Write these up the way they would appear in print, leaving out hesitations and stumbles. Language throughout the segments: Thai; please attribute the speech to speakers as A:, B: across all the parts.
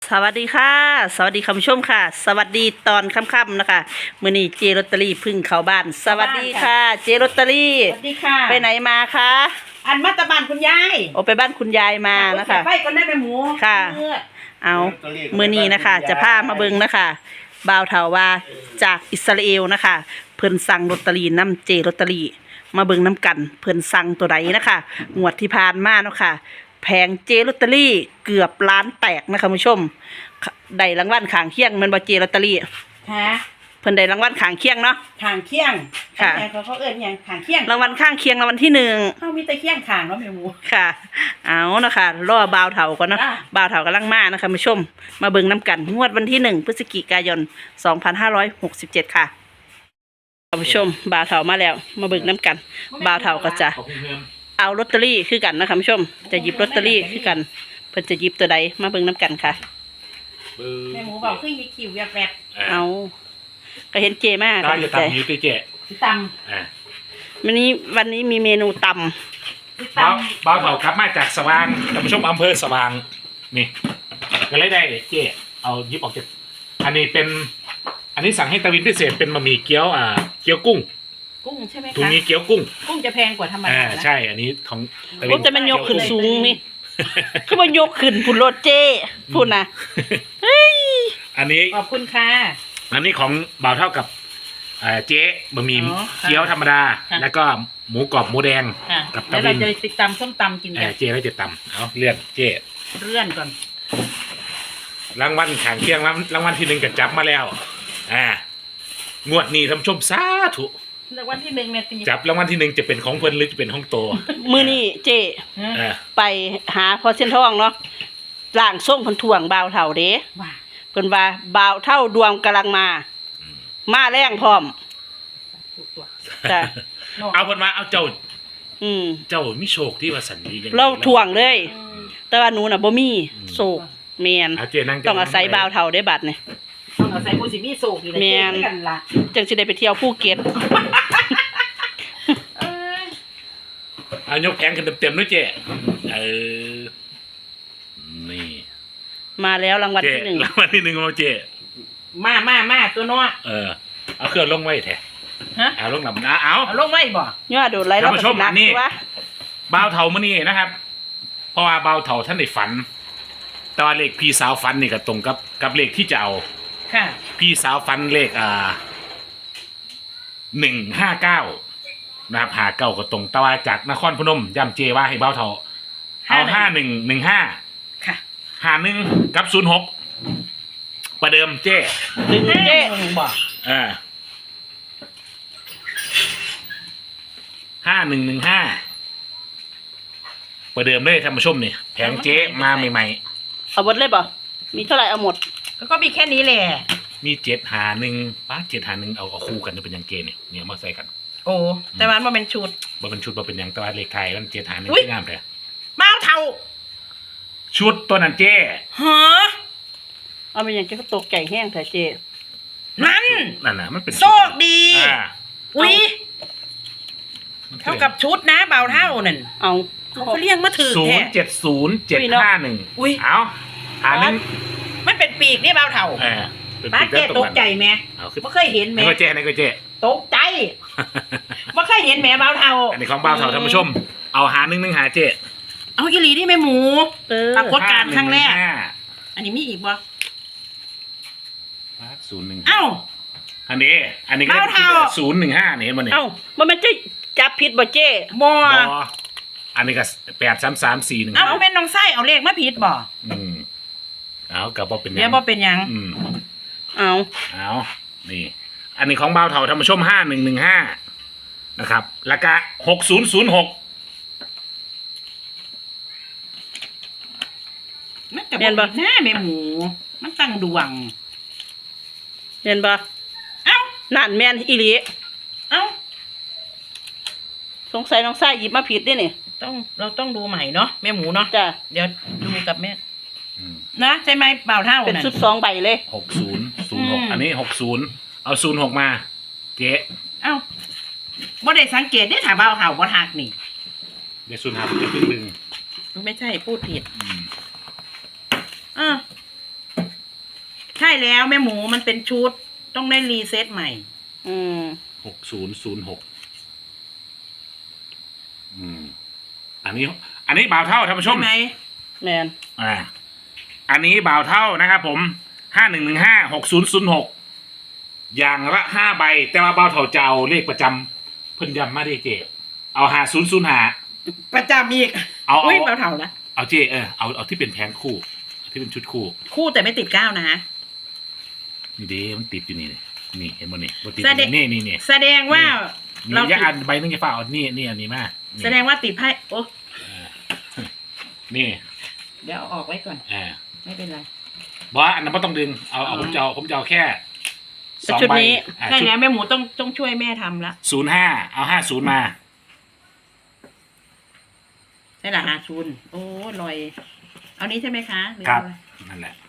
A: สวัสดีค่ะสวัสดีคุณผู้ชมค่ะ สวัสดีตอนค่ำๆนะคะมื้อนี้เจลอตเตอรี่พึ่งเข้าบ้านสวัสดีค่ะเจลอตเตอรี่
B: สวัสดีค่ะ
A: ไปไหนมาคะ
B: อันมัตตบานคุณยาย
A: โอไปบ้านคุณยายมานะคะ
B: ไปก่อนได้ไหมหมู
A: ค่ะ เอามื้อนี้นะคะจะพามาเบิ่งนะคะบ่าวเถาว่าจากอิสราเอลนะคะเพิ่นสั่งลอตเตอรี่น้ำเจลอตเตอรี่มาเบิ่งน้ำกันเพิ่นสั่งตัวใดนะคะงวดที่ผ่านมาเนาะค่ะแผงเจลอตเตอรี่เกือบล้านแตกนะคะคุณผู้ชมได้รางวัลข้างเคียงแมันบ่เจลอตเตอรี่
B: ฮะ
A: เพิ่นได้รางวัลข้างเคียงเนาะ
B: ขางเคียง
A: ค่ะ
B: เขาเอิ้นหยังขางเคียง
A: รางวัลข้างเคียงรางวัลที่หนึ่ง
B: เขามีแต่เคียงขางเนาะแม่หมู ค่ะ
A: เอานะคะรอบ่าวเถาก่อนเนาะ
B: จ้ะ
A: บ่าวเถากำลังมานะคะมาชม มาเบิ่งน้ำกันงวดวันที่1 พฤศจิกายน 2567 ค่ะท่านผู้ชมบ่าวเถามาแล้ว มาเบิ่งน้ำกันบ่าวเถาก็จะเอาลอตเตอรี่คือกันนะคะผู้ชม จะหยิบลอตเตอรี่คือกันเพิ่นจะหยิบตัวใดมาเบิ่งน้ำกันค่ะ
B: แม่หมูบอกขึ้นยีคิวแวบ
A: เอาก็เห็นเจมาก
C: ได้
A: ดี
C: จะ
A: ใจ
C: ทำยูติเจ
B: ๆสิต
A: วันนี้มีเมนูตำ
B: ำสิต
C: บ้าวเผาครับมาจากสว่างท่านผู้ชมอำเภอสว่างนี่ก็เลยได้เจเอายิบออกจากอันนี้สั่งให้ตะวินพิเศษเป็นบะหมี่เกี๊ยวเกี๊ยวกุ้ง
B: ำกุ้งใช่ไหม
C: ถุง
B: คะ
C: นี้เกี๊ยวกุ้ง
B: กุ้งจะแพงกว่าธรรมดานะ
C: ใช่อันนี้ของตะวิ
A: ก็
C: น
A: จะมันยกขึ้นสูงนี่ คือมันยกขึ้นพุ่นรถเจ้พุ่นนะ
C: อันนี้
B: ขอบคุณค่ะ
C: อันนี้ของบ่าวเท่ากับเจ๊บะหมี่
B: อ๋อค่ะ
C: เกี๊ยวธรรมดา
B: ค่ะ
C: แล้วก็หมูกรอบหมูแดง
B: ค่ะ
C: กับ
B: แล้ว
C: ตะ
B: เรา
C: วิน
B: จะติดตำส้มตำกินกัน
C: เจ๊แล้วจะตำเอาเลื่อนเจ๊
B: เลื่อนก่อน
C: รางวัลขางเคียงรางวัลที่หนึ่งก็จับมาแล้วงวดนี้ท่านผู้ชมสาธุ
B: แล้ววันที่หนึ่งเนี่ยตี
C: จับรางวัลที่หนึ่งจะเป็นของเพิ่นหรือจะเป็นของโต
A: มื้อนี้เจ้
B: ฮะ
C: เออ
A: ไปหาพอเส้นทองเนาะร่างทรงเพิ่นถ่วงบ่าวเฒ่าเด้
B: ว่า
A: เพิ่นว่าบ่าวเฒ่าดวงกำลังมา มาแรงพร้อม
B: ถูกตัว
A: จ้ะ
C: เอาเพิ่นมาเอาเจ้า
A: อืม
C: เจ้ามีโชคที่ว่าสันดีจัง
A: เราถ่วงเลย
B: อืม
A: แต่ว่าหนูน่ะบ่มีโศกแม่น
C: เอาเจนั่ง
A: ต้องอาศัยบ่าวเฒ่าได้บัดนี่
B: ต้องเอาใส่ผู้สิมีโศกอยู่ใน
A: แม่
B: เจ๊
A: น
B: กันละ
A: จังสิได้ไปเที่ยวภูเก็ต
B: เอ้ย
C: เอายกแผงขึ้นเต็มๆด้วยเจเออนี่
A: มาแล้วรางวัล
C: เจ
A: ที่หนึ่ง
C: รางวัลที่หนึ่งของเราเจ
B: มาตัวน้อ
C: เอาเครื่องลงไว้แท้
B: ฮะ
C: เอาลงหลับนะเอา
B: เอาลงไว้บ่
A: ย่อโดดไหลแล้วก็
C: ท่านผู้ช
A: สิ
C: ม
A: นัก
C: อันนี้
A: ตัว
C: บ่าวเถามื้อนี้นะครับ เพราะว่าบ่าวเถาท่านได้ฝัน แต่ว่าเลขพี่สาวฝันนี่ก็ตรงกับเลขที่จะเอา
B: ค่ะ
C: พี่สาวฟันเลข159นะครับ59ก็ตรงแต่ว่าจากนครพนมย่ำเจว่าให้เบ้าเท่าเอา5115
B: ค่ะ
C: 51กับ06ประเดิมเจ
A: ดึงเจ้
B: บ่
C: 5115ประเดิมเลยท่านผู้ชมนี่แผงเจ๊มาใหม่
A: เอาหมดเลยบ่มีเท่าไหร่เอาหมด
B: ก็มีแค่นี้แหละ
C: ๆมี751ป้า751เอาคู่กันจะเป็นหยังเกเนี่ยมาใส่กัน
B: โอ้แต่มันมาเป็นชุด
C: บ่เป็นชุดบ่เป็นหยังแต่ว่าเลขไทยมัน751
B: อุ๊ย
C: ที่งามแท้
B: มาเท่า
C: ชุดตัวนั้นเจ๊
B: ฮะ
A: เอาไปอย่างเจ้าก็ตกไก่แห้งแต่เจ้
B: นั่น
C: นั่นน่ะมันเป็น
B: โชคดี
C: อ่า
B: อุ้ย
C: มันคือ
B: เท่ากับชุดนะเบาเท่านั่น
A: เอา
B: เขาเรียกมาถือ
C: ศู
B: แท้
C: นย์70751
B: อุ๊ย
C: เอาหาหนึ่ง
B: มันเป็นปีกนี่เบาเท่า
C: เป็น
B: ป้า
C: ปี
B: เจ๊ตกใจไหม
C: เอาขึ้น
B: ไม่เคยเห็นไหม
C: นี่ก็เจ๊นี่ก็เจ๊
B: ตกใจไม่เคยเห็นแหมเบาเท่า
C: อันนี้ของบ่าวเถาท่านผู้ชม เอาหาหนึ่งหาเจ๊
B: เอาอีหลีนี่แม่หมู
A: เออ
B: ปรากฏการณ์ครั้งแรก
C: 5115
B: อันนี้มีอีกบ่
C: 01
B: เอ้า
C: อันนี้ก็
B: บ่าวเถา
C: 015นี่เห็นบ่เนี่ย
A: เอ้ามันจะจับผิดบ่เจ้
B: บ่
C: บออันนี้ก็8334
B: เอ้าแม่น้องไส้เอาเลขมาผิดบ่
C: เอากับบ่เป็นห
B: เดี๋
C: ยั
B: ยว
C: ง
B: บ่เป็นหยัง
A: เอา
C: เอานี่ อันนี้ของบ่าวเถาท่านผู้ชม5115นะครับแล้วก็6006
B: มันจะบ่หน้าแม่หมู มันตั้งดวง
A: เห็นบ่
B: เอ้า
A: นั่นแม่นอีหลี
B: เอ้า
A: สงสัยน้องไส้หยิบมาผิดด้วยนี่
B: เราต้องดูใหม่เนาะแม่หมูเนาะ
A: จ้ะ
B: เดี๋ยวดูกับแม่
C: อืม
B: นะใช่ไหมเปล่าเท่า
A: เป็น
B: นั่น
A: ชุด2 ใบเลย
C: 6006อันนี้60เอา06มาเจ๊
B: เอ้าบ่ได้สังเกตได้ถามเปล่าเท่าบ่ทักนี่
C: เดี๋ยว05จะครึ่งหนึง
B: ไม่ใช่พูดผิด
C: อืม
B: อ่าใช่แล้วแม่หมูมันเป็นชุดต้องได้รีเซ็ตใหม่
A: อืม
C: 6006อันนี้บ่าวเท่าท่านผู้ช
B: ใช่
C: ม
B: ไหม
A: แมน
C: อันนี้บ่าวเท่านะครับผม51156006อย่างละ5ใบแต่ว่าบ่าวเท่าจะเอาเลขประจำเพิ่นย้ำมาได้เจเอา5005
B: ประจำอีก
C: เอา
B: อุ้ยเบาเท่านะ
C: เอาเจเอาที่เป็นแผงคู่ที่เป็นชุดคู่
B: คู่แต่ไม่ติดก้าวนะ
C: นี่เด้มันติดอยู่นี่เลยนี่เห็นบ่นี่บ่ติด
B: แสดง
C: นี่
B: แสดงว่า
C: นี่
B: เรา
C: อย่าอ่านใบนึงอย่าฝ่าเอานี่อันนี้มานี่
B: แสดงว่าติดไพ่โอ้
C: นี่
B: เดี๋ยวเอาออกไว้ก่อน ไม่เป็นไร
C: บอกว่าอันนั้นไม่ต้องดึงเอาผมจะเอาแค่2
A: ชุด
C: ใบ
A: นี้
B: ใช่แล้วแม่หมูต้องช่วยแม่ทำละ
C: 05เอา50มา
B: ใช่ละ50โอ้ลอยเอานี้ใช่ไหมคะหอ
C: ครับ
B: อะไ
C: นั่นแหละ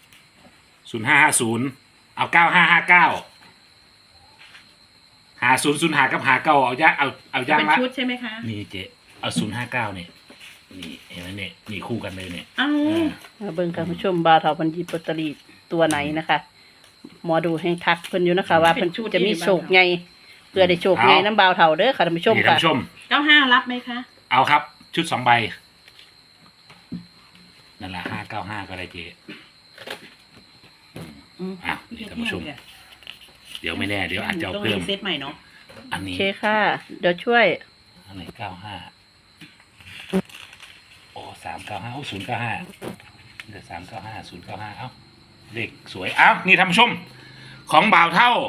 C: 0550เอา95595005กับ59เอาย่างเอาย่าง
B: เป็น
C: ละ
B: ชุดใช่ไหมคะ
C: นี่เจ๊เอา059เนี่ยนี่เห็นไหมเนี่ยนี่คู่กันเลยเนี่ย
B: เอ้า
A: มาเบิ่งกันผู้ชมบาวเถาพันยีปตรีตัวไหนนะคะหมอดูให้ทักเพิ่นอยู่นะคะ ว่าเพิ่นจะมีโชคไงเพื่อได้โชคไงน้ำบาวเถาเด้อค่ะท่านผู้ชม
C: นี่ท่าน
A: ค่ะ
C: ผู้ชม
B: 95รับไหมคะ
C: เอาครับ ชุด2 ใบนั่นแหละ595ก็ได้เจ๊ อ้าวนี่ท่านผู้ชม เดี๋ยวไม่แน่เดี๋ยวอาจจะเอา
B: ต้อง
C: เพิ่ม
B: รีเซ็ตใหม่เนาะ
C: อัน
A: โอ
C: นี้
A: เคค่ะ เดี๋ยวช่วย
C: อันไหน95โอ้395โอ้095เดี๋ยว395 095เอ้าเลขสวยเอ้านี่ท่านผู้ชม ของบ่าวเท่า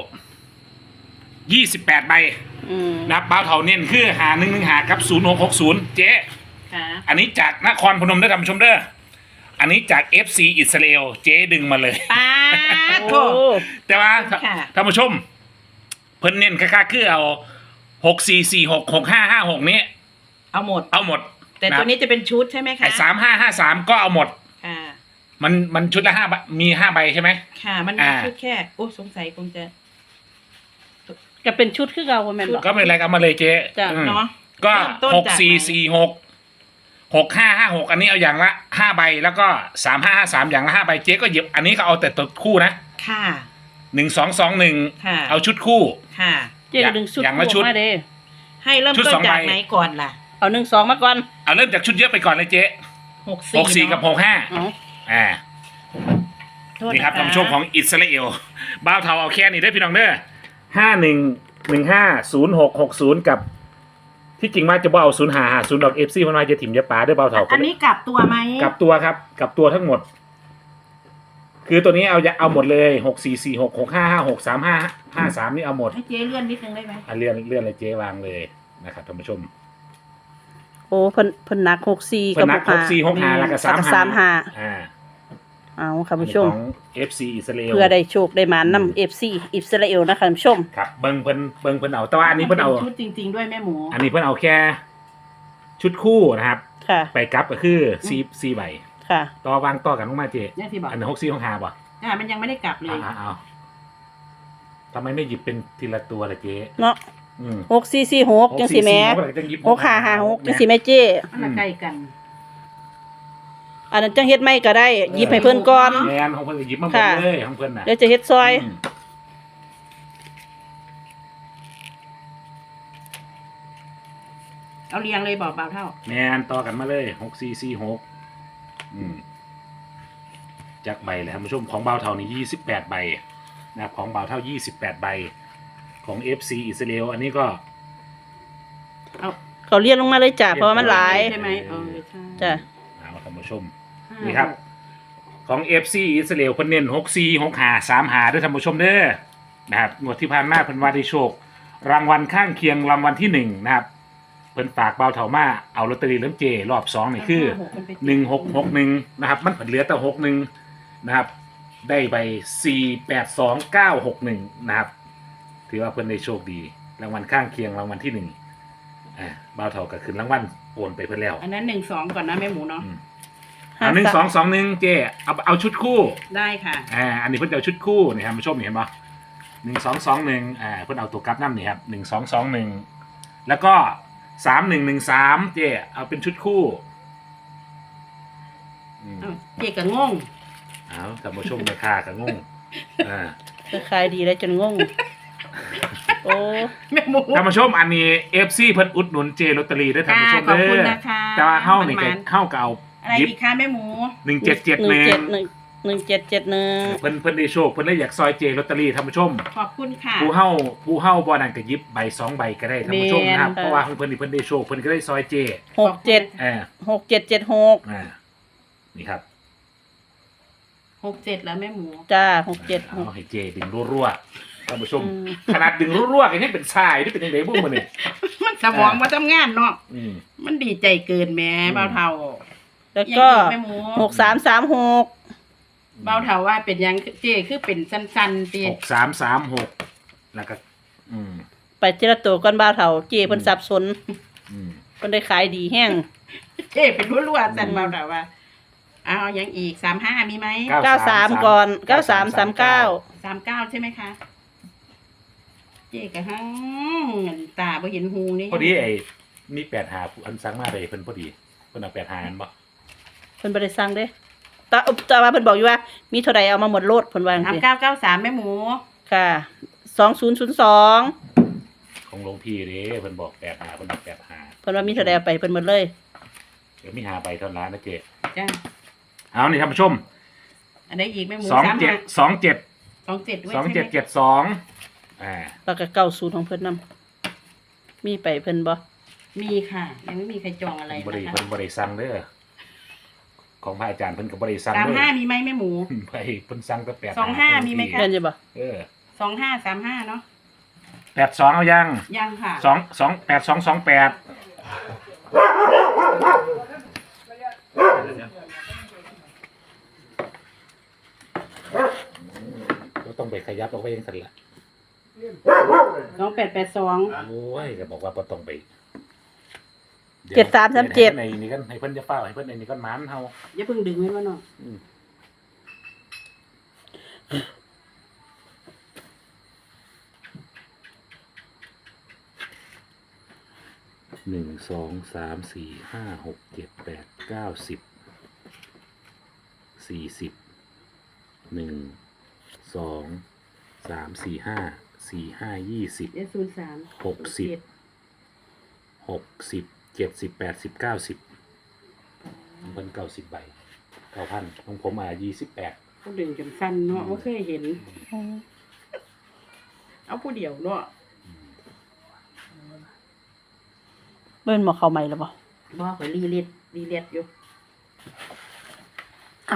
C: 28 ใบ
A: อืม
C: นับบ่าวเท่าเน้นคือ5115กับ0660เจ๊
B: ค่ะ
C: อันนี้จากนครพนมได้อท่านผู้ชมเด้ออันนี้จาก FC อิสราเอลเจ๊ดึงมาเลย
B: ป้าด
A: โอ้
B: โถ
C: แต่ว่า
B: ค่ะ
C: ท่านผู้ชม เพิ่นเน้นค่าคือเอา64466556นี้
B: เอาหมด
C: เอาหมด
B: แต่ตัวนี้จะเป็นชุดใช่ไหมคะ
C: ไอ้3553ก็เอาหมด
B: ค่ะ
C: มันชุดละ5 ใบมี5 ใบใช่ไหม
B: ค่ะ มันมี
C: อ่า
B: ชุดแค่โอ้สงสัยคงจะ
A: จะเป็นชุดคือเราบ่แม่นบ่
C: ก็ไม่เป็นไรก็เอามาเลยเจ๊
A: จ้ะ
C: อืม
B: เนาะ
C: ก็
B: เริ่มต้นจากไหน
C: 64466556อันนี้เอาอย่างละ5 ใบแล้วก็3553อย่างละ5 ใบเจ๊ก็หยิบอันนี้ก็เอาแต่ตัวคู่นะ
B: ค่ะ
C: 1221
B: ค่ะ
C: เอาชุดคู่
B: ค่ะ
A: เจ๊ก็ดึงชุด
C: อย่างละชุด
A: มาเด้
B: ให้เริ่ม
C: ชุด
B: ต้น
C: สอง
B: จาก
C: ใบ
B: ไหนก่อนล่ะ
A: เอา1-2มาก่อน
C: เอาเริ่มจากชุดเยอะไปก่อนเลยเจ๊ 64กับ
A: เอา
C: 65อ่า
B: โทษ
C: นี่ครับ
B: ะะ
C: ท่านผู้ชมของอิสราเอลบ้าวเทาเอาแค่นี้ได้อพี่น้องเด้อ51150660กับที่จริงว่าจะบ่เอา0550ดอก FC มันมาจะถิ่มจะปาด้วยบ้าวเทา
B: อันนี้กลับตัวไหม
C: กลับตัวครับกลับตัวทั้งหมด คือตัวนี้เอาหมดเลย644665563553นี่เอาหมด
B: ให้เจ๊เลื่อนนิดนึงได้ไหม
C: เลื่อนเลยเจ๊วางเลยนะครับท่านผู้ชม
A: โอ้เพิ่นหนัก64
C: เพิ่
A: กับ
C: นนัก6465แล้วก็
A: 35
C: อ่า
A: เอาค่ะ
C: อัน
A: ผู้
C: นี้
A: ชม
C: ของ FC อิสราเอล
A: เพื่อได้โชคได้มานำ FC อิสราเอลนะคะท่านผู้ชม
C: ครับเบิ่งเพิ่นเอาแต่ว่าอันนี้เพิ่นเอา
B: ชุดจริง ๆ ด้วยแม่หมู
C: อันนี้เพิ่นเอาแค่ชุดคู่นะครับ
A: ค่ะ
C: ไปกลับก็คือซีใบ
A: ค่ะ
C: ต่อวางต่อกันลงมาเจ
B: นี่ที่บอก
C: อันนี้6465ป่ะ
B: มันยังไม่ได้กลับเลย
C: เอาทำไมไม่หยิบเป็นทีละตัวล่ะเจ๊
A: เนาะ
C: อืม
A: 6446จังสิแหม่
C: จังหยิบ
A: 6556จังสิแม่เจ้
B: มันละใกล้กัน
A: อันนั้นจังเฮ็ดไม่ก็ได้หยิบให้เพิ่นก่อน
C: แมนของเพิ่นก็หยิบมาหมด
A: ค่ะ
C: เลยของเพิ่นน่ะ
A: เดี๋ยวจะเฮ็ดซอย
C: อืม
B: เอาเรียงเลยบอกเบาเท่า
C: แมนต่อกันมาเลย6446จากใบเลยท่านผู้ชมของเบาเท่านี่28ใบนะครับของเบาเท่า28ใบของ FC อิสราเอลอันนี้ก็
B: เอา
A: เขาเรียนลงมาเลยจ้ะเพราะว่ามันหลาย
B: ใช่ไหมเออใช่
A: จ้ะ
C: เอาท่านผู้ชม นี่ครับ ของ FC อิสราเอลเพิ่นเน้น646535ด้วยท่านผู้ชมเด้อนะครับงวดที่ผ่านมาเพิ่นว่าได้โชค รางวัลข้างเคียงรางวัลที่ 1 นะครับเพิ่นฝากเบาเถามาเอาลอตเตอรี่เล่มเจรอบ2นี่คือ1661นะครับมันเหลือแต่61นะครับได้ไป482961นะครับถือว่าเพิ่นได้โชคดี รางวัลข้างเคียงรางวัลที่1เบาเถาก็ขึ้นรางวัลโอนไปเพิ่นแล้ว
B: อันนั้น1-2ก่อนนะแม่หมูเนาะ
C: 1221เจเอาชุดคู่
B: ได้ค่ะ
C: อันนี้เพิ่นจะเอาชุดคู่นี่ครับผู้ชมนี่เห็นปะ1221เพิ่นเอาตัวกลับน้ำนี่ครับ1221แล้วก็3113เจ๊เอาเป็นชุดคู่
B: เจ๊ก็งง
C: เอาท่านผู้ชมราคาก็งงอ่า
A: จะขายดีแล้วจนงง โอ้
B: แม่หมู
C: ท่านผู้ชมอันนี้ FC เพิ่นอุดหนุนเจลอตเตอรี่ด้วยท่านผู้ชม
B: ขอบ
C: เด้
B: คุณ
C: อ
B: นะคะ
C: แต่ว่าเฮานี่ก็
B: มันๆ
C: เฮาก็เอา
B: อะไร
C: ยิบ
B: อีกคะแม่หมู
C: 1771
A: 1771
C: เพิ่นได้โชคเพิ่นเลยอยากซอยเจลอตเตอรี่ท่านผู้ชม
B: ขอบคุณค่ะ
C: ผู้เฮาบ่นั่นก็หยิบใบ2ใบก็ได้ท่านผู้ชมนะครับ
B: แม่น
C: เพราะว่าของเพิ่นนี่เพิ่นได้โชคเพิ่นก็ได้ซอยเจ
A: 67
C: อ่า
A: 6776
C: นี่ครับ
B: 67แล้วแม่หมู
A: จ้า
C: เอาให้เจดึงรัวๆท่านผู้ชม
A: อืม
C: ขนาดดึงรัวๆก็ยังเป็นชายนี่เป็นจังไดบุ้มมื้อนี่
B: มันสมองมาทำงานเนาะ
C: อืม
B: มันดีใจเกินแหม่เบาเท่า
A: แล้วก็
B: ยังอีแม่หมู
A: 6336
B: เบาเท่าว่าเป็นยังเจคือเป็นสั้นๆตี
C: 6336แล้วก็อืม
A: ไปเจรตัวก่อนบ่าวเฒ่าเจเพิ่นสับสน
C: อืม
A: เพิ่นได้ขายดีแห้ง
B: เจเป็นรัวๆสั้นเบาเท่าว่าเอายังอีก35มีไหม
A: 93 ก่อน 9339
B: 39ใช่ไหมคะ เจกะฮังตาบ่เห็นหูนี่
C: พอดีไอ้มี8หาอันสั่งมาได้เพิ่นพอดีเพิ่นเอา8หาอันบ่
A: เพิ่นบ่ได้สั่งเด้แต่ว่าเพิ่นบอกอยู่ว่า มีเท่าใดเอามาหมดโลดเพิ่นว่าจังซี่
B: 3993แม่หมู
A: ค่ะ 2002
C: ของหลวงพี่เด้เพิ่นบอก8หาเพิ่นบอก8หา
A: เพิ่นว่ามีเท่าใดเอาไปเพิ่นหมดเลย
C: เดี๋ยวมีหาใบเท่านั้นนะเจ๊
B: จ้า
C: เอานี่ท่านผู้ชม
B: อันไหนอีกแม่หมู
C: 27
B: 27ด้วยใช่ไหม
C: 2772อ่า
A: แล้วก็90ของเพิ่นนำมีไปเพิ่นบ่
B: มีค่ะ ยังไม่มีใครจองอะไร
C: เพิ่นบ่ได้
B: นะคะ
C: เพิ่นบ่ได้สั่งเด้อของพระอาจารย์เพิ่นก็บ่ได้สั่งเด้อ
B: 35มีไหมแม่หมู
C: ไปเพิ่นสั่งแต่8
B: 25มีไหมคะ
A: แม่นอยู่บ่
C: เออ
B: 2535เนาะ
C: 82เอายัง
B: ยังค่ะ
C: ก็ต้องไปขยับออกไปยังสั่นละ
B: 2882
C: โอ้ยก็บอกว่าบ่ต้องไป
A: 7337
C: ในนี่กันให้เพิ่นจะเฝ้าให้เพิ่นในนี่กันหมานเฮา
B: อย่าเพิ่งดึงไว้ว่าเนาะ
C: 1 2 3 4 5 6 7 8 9 10 40 1 2 3 4 5 4 5 20
B: เดี๋ยว03
C: 60 60 70 80 90เพิ่น90ใบ 9,000ของผม28
B: ก็ดึงจนสั้นเนาะบ่เคยเห็น เอาผู้เดียวเนาะ
A: เบิ่นบ่เข้าใหม่แล้วบ่
B: บ่ข่อยรีเลียดอยู่
A: เอ้า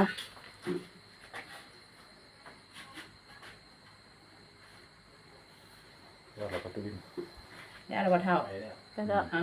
C: แล้วเราก็ตื่น
B: ได้แล้วบ่เท่า
A: ไปแล้ว
B: เอา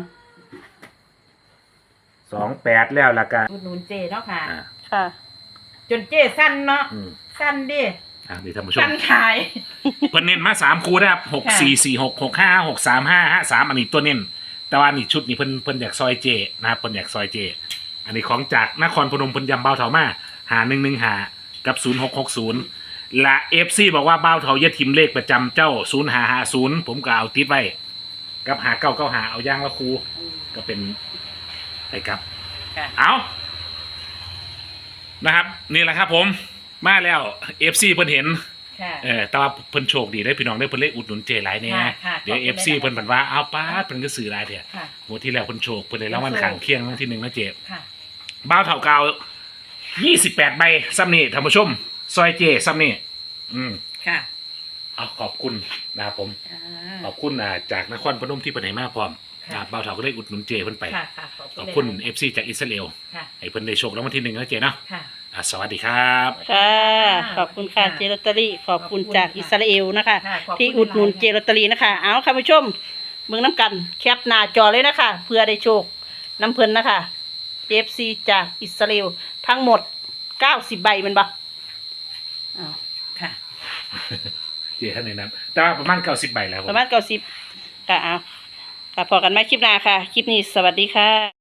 C: 28แล้วล่ะกัน
B: อุดหนุนเจเนาะค่ะ
A: ค่ะ
B: จนเจสั้นเนาะ
C: อืม
B: สั้นดิ
C: นี่ท่านผู้ชม
B: สั้นขาย
C: เพิ่นเน้นมา3คู่นะครับ6446 65 635 53อันนี้ตัวเน้นแต่ว่านี่ชุดนี้เพิ่นอยากซอยเจนะครับเพิ่นอยากซอยเจ อันนี้ของจากนครพนมเพิ่นยำเบาเถามาหา115กับ0660และ FC บอกว่าเบาเถาอย่าทิมเลขประจำเจ้า0550ผมก็เอาติดไว้กับ5995เอาย่างละครูก็เป็นไปครับ
B: ค่ะ
C: เอานะครับ นี่แหละครับผมมาแล้ว FC เพิ่นเห็น
B: ค่ะ
C: แต่ว่าเพิ่นโชคดีได้พี่น้องได้เพิ่นเลยอุดหนุนเจหลายแน่
B: ค่ะ
C: เดี๋ยว
B: ขอบคุณ
C: FC
B: หลายๆ
C: เพิ่นบันว่าเอาป้าดเพิ่นก็ซื้อหลายเถอะ
B: ค่ะ
C: งวดที่แล้วเพิ่นโชคเพิ่นเลยรางวัลข้างเคียงรางวัลที่1นะเจ
B: ค่ะ
C: บ้าวเฒ่าเก่า28ใบซ้ำนี่ท่านผู้ชมซอยเจซ้ำนี่
B: ค่ะ
C: เอาขอบคุณนะครับผม
B: อ่า
C: ขอบคุณจากนครพนมที่เพิ่นให้มาพร้อม
B: ค่ะ
C: นะครับบ้าวเฒ่าก็เลยอุดหนุนเจเพิ่นไป
B: ค่ะค่ะ
C: ขอบคุณ
B: หลาย
C: FC จากอิสราเอล
B: ๆค่ะ
C: ให้เพิ่นได้โชครางวัลที่1นะเจเนาะ
B: ค่ะ
C: สวัสดีครับ
A: ค่ะ ขอบคุณค่ะเจลอตเตอรี่ขอบคุณจากอิสราเอลนะคะ
B: ค่ะขอบคุณ
A: ที่อุดหนุนเจลอตเตอรี่นะคะ เอาค่ะผู้ชมเบิ่งน้ำกันแคปหน้าจอเลยนะคะ เพื่อได้โชคน้ำเพิ่นนะคะ FC จากอิสราเอลทั้งหมด90ใบแมันบ่อ้าว
B: ค่ะ
C: เจท่านในนั้นแต่ว่าประมาณ90ใบแล้วผม
A: ประมาณ90ค่ะเอาค่ะพอกันไหมคลิปหน้าค่ะ คลิปนี้สวัสดีค่ะ